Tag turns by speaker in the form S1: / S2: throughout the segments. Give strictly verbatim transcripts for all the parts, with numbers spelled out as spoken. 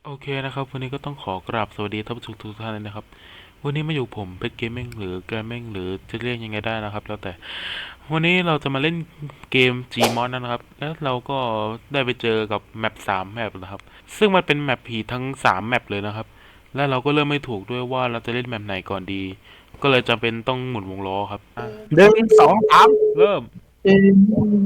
S1: โอเคนะครับวันนี้ก็ต้องขอกราบสวัสดีท่านผู้ชมทุกท่านเลยนะครับวันนี้มาอยู่ผมเพชรเกมมิ่งหรือเกมมิ่งหรือจะเรียกยังไงได้นะครับแล้วแต่วันนี้เราจะมาเล่นเกม Gmod นะครับแล้วเราก็ได้ไปเจอกับแมปสามแมปนะครับซึ่งมันเป็นแมปผีทั้งสามแมปเลยนะครับและเราก็เริ่มไม่ถูกด้วยว่าเราจะเล่นแมปไหนก่อนดีก็เลยจำเป็นต้องหมุนวงล้อครับอ่ะ
S2: หนึ่งสองสาม
S1: เริ่ม
S2: เอ๊ะ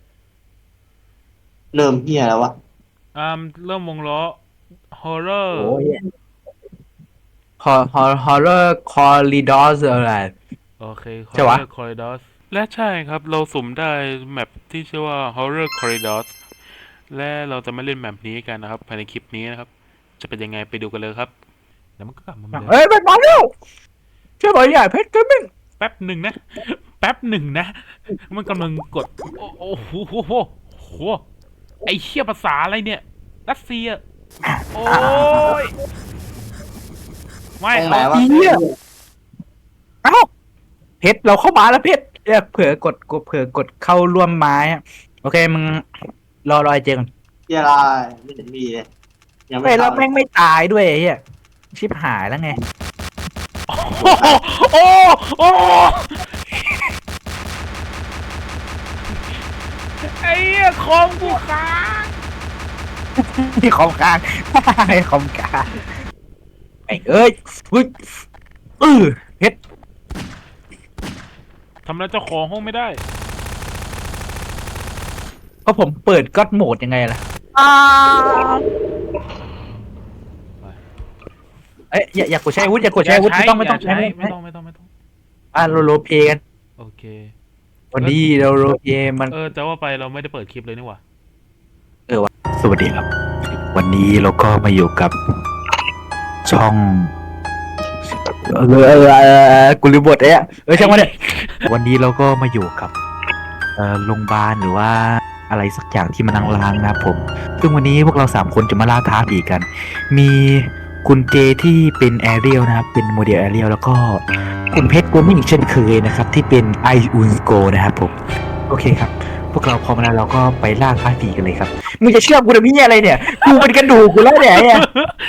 S2: เริ่มเฮียแล้ววะ
S1: อ่าเริ่มวงล้อ
S2: โอ้
S1: horror
S2: ยฮอฮอฮอร์เรอร์คอริดอสอะไร
S1: โอเค
S2: ใช่วะ
S1: Horror Corridors และใช่ครับ เราสุ่มได้แมปที่ชื่อว่า Horror Corridors และเราจะมาเล่นแมปนี้กันนะครับภายในคลิปนี้นะครับ จะเป็นยังไงไปดูกันเลยครับเดี๋ยวมันก็กลับมาเหมือนเดิม
S2: เฮ้ยไปมาเร็วช่วยหน่อยใหญ่เพชรเกมมิ่ง
S1: แป๊บหนึ่งนะแป๊บหนึ่งนะมันกำลังกดโอ้โอ้โหโหโหโหไอเชี่ยภาษาอะไรเนี่ยรัสเซียโอ้ยไม่
S2: ตรงไหน
S1: เอา
S2: วะ
S1: สิ
S2: เฮียเอ้าเพชรเราเข้ามาแล้วเพชรเอ้ยเผื่อกดกดเผื่อกดเข้าร่วมไม้อะโอเคมึงรอรอไอเจก่อน
S3: เฮียอะไรไม่เห็นมีเลยยังไม่
S2: เฮ้ยเรา
S3: เข้าเลย
S2: แม่งไม่ตายด้วยไอ้เฮียชิบหายแล้วไง
S1: โอ้โหโอ้โอ้ไอ้เหี้ยคอมกูค้าง
S2: ที่คอมกลางไอ้คอมกลางไอ้เอ้ยอุ้ยเออเพชร
S1: ทำแล้วเจ้าของห้องไม่ได้
S2: เพราะผมเปิดก็อดโหมดยังไงล่ะเอ้ยอย่าอย่ากดใช้อาวุธอย่ากดใช้อาวุธไม่ต้องไม่ต้อง
S1: ใช้
S2: ใช้
S1: ไม่ต้องไม่ต้องไม่ต้อง
S2: อ่ะเราโรลเพลย์กัน
S1: โอเค
S2: วันนี้เราโรลเพลย์มัน
S1: เออจะว่าไปเราไม่ได้เปิดคลิปเลยนี่หว่า
S2: เออวะสวัสดีครับ วันนี้เราก็มาอยู่กับช่องเออเออเออกูลืมบทเอ้ยเออช่างมันเนี่ยวันนี้เราก็มาอยู่กับเอ่อโรงพยาบาลหรือว่าอะไรสักอย่างที่มันล้างๆนะครับผมซึ่งวันนี้พวกเราสามคนจะมาล่าท้าผีกัน มีคุณเจที่เป็นแอเรียลนะครับเป็นโมเดลแอเรียลแล้วก็คุณเพชรกูมิ่งเช่นเคยนะครับที่เป็นไออุนโกนะครับผมโอเคครับ พวกเราพร้อมแล้วเราก็ไปล่าท้าผีกันเลยครับมึงจะเชื่อกูทำไมเนี่ยอะไรเนี่ยกูเป็นกระดูกกูแล้วเนี่ยเนี่ย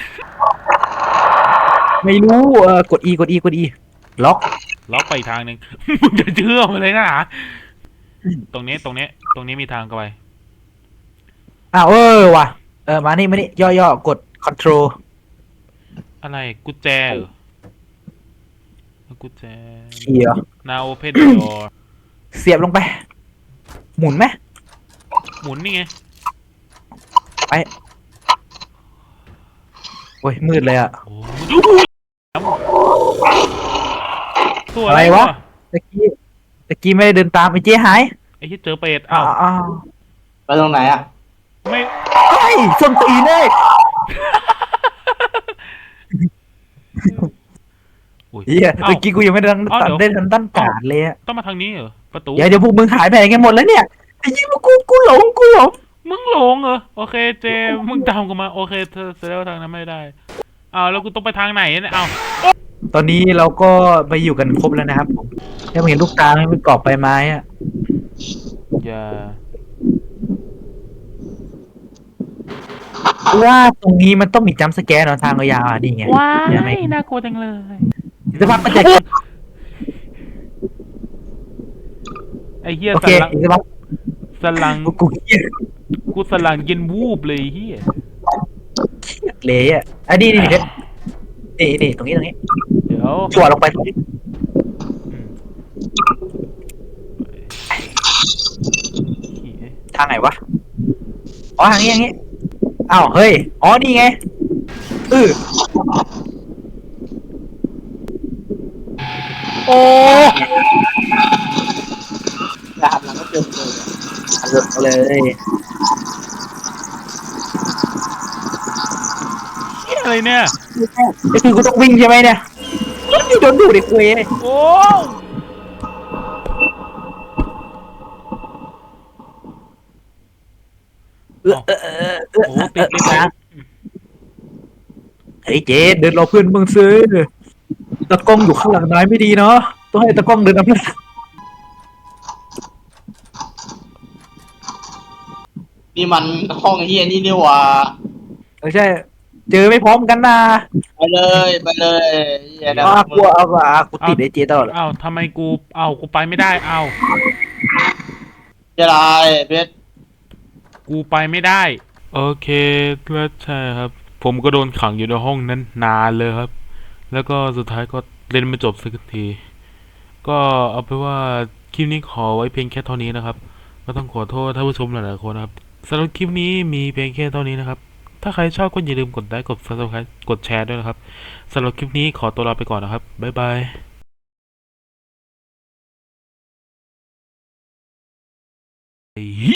S2: ไม่รู้เออกด E กด E กด E ล็อก
S1: ล็อกไปอีกทางหนึ่ง มึงจะเชื่อมันเลยนะตรงนี้ตรงนี้ตรงนี้มีทางเข้าไป
S2: อ้าวเออว่ะเออมานี่มานี่ย่อๆกด control
S1: อะไรกุญแจเหรอกุญแจ
S2: เขียว
S1: now open the door
S2: เสียบลงไป หมุนไหม
S1: หมุนนี่ไง
S2: ไปโอ้ยมืดเลยอะ
S1: โอ้ตัว
S2: อะ
S1: อะไร ไร
S2: วะ
S1: วะ
S2: ตะกี้ตะกี้ไม่ได้เดินตามไอ้เจ๊หาย
S1: ไอ้ที่เจอเป็ด
S2: อ้า
S1: อ้าว ว
S2: อ้าว
S3: ไปตรงไหนอ่ะ
S1: ไม่
S2: เฮ้ยส้นตีนเลย
S1: อุ้ย
S2: เฮีย
S1: อ้าว
S2: ตะกี้กูยังไม่ได้ทัน
S1: อ้าวเดี๋ยว
S2: ได้ทันตั้นการเลยอะ
S1: ต้องมาทางนี้เหรอประตู
S2: เดี๋ยวเดี๋ยวพวกมึงหายไปไหนกันหมดแล้วเนี่ยไอ้ยี่พวกกูกูหลงกูหลง
S1: มึงหลงเหรอโอเคเจมึงตามกูมาโอเคเธอแสดงว่าทางนั้นไม่ได้อ้าวแล้วกูต้องไปทางไหนเนี่ยอ้าว
S2: ตอนนี้เราก็ไปอยู่กันครบแล้วนะครับผมยังเห็นลูกตาไหมเป็นกรอบใบไม้อะ
S1: อย่า
S2: ว่าตรงนี้มันต้องมีจัมป์สแกร์เนาะทางยาวๆอ่ะนี่ไง
S1: ว้า
S2: เห็นไหม
S1: ยน่ากลัวจังเลย
S2: อีกสักพักมันจะ
S1: ไอ้เหี้ย
S2: โอ
S1: ส
S2: เค
S1: ลัง
S2: อีกสักพัก
S1: สลัง
S2: กูกูเครียด
S1: กูสลังเย็นวูบเลยเหี้ย
S2: เลยอ่ะอ่ะนี่นี่นี่นี่นี่ตรงนี้ตรงนี้
S1: เดี๋ยว
S2: จั่วลงไปตรงนี้
S1: อืมเหี้ย
S2: ทางไหนวะอ๋อทางนี้ทางนี้อ้าวเฮ้ยอ๋อนี่ไงเออ
S1: โอ้
S3: อย่าหันหลังก็เจอเลย
S2: เอาเลย
S1: เหี้ยอะไรเนี่ย
S2: ก็คือกูต้องวิ่งใช่ไหมเนี่ยนี่โดนดูดไอ้คุยเลย
S1: โอ้
S2: เออเออเออเออ
S1: โหติดติดติด
S2: เฮ้ยเจเดินรอเพื่อนมึงซื้อตะกล้องอยู่ข้างหลังนายไม่ดีเนาะต้องให้ตะกล้องเดินนำหน้า
S3: นี่มันห้องเฮียนี่นี่หว่า
S2: ไม่ใช่เจอไม่พร้อมกันนะ
S3: ไปเลยไปเลยเหี้ยนะ
S2: อ้าวกูเอาอ่ะกูติดไอเจตลอดเลย
S1: เอ้าทำไมกูเอ้ากูไปไม่ได้เอ้า
S3: จะลายเพชร
S1: กูไปไม่ได้โอเคก็ใช่ครับ ผมก็โดนขังอยู่ในห้องนั้นนานเลยครับ แล้วก็สุดท้ายก็เล่นไม่จบสักทีก็เอาไปนว่าคลิปนี้ขอไว้เพียงแค่เท่านี้นะครับก็ต้องขอโทษท่านผู้ชมหลายๆคนนะครับสำหรับคลิปนี้มีเพียงแค่เท่านี้นะครับถ้าใครชอบก็อย่าลืมกดไลค์กด ซับสไครบ์ กดแชร์ด้วยนะครับสำหรับคลิปนี้ขอตัวลาไปก่อนนะครับบ๊ายบาย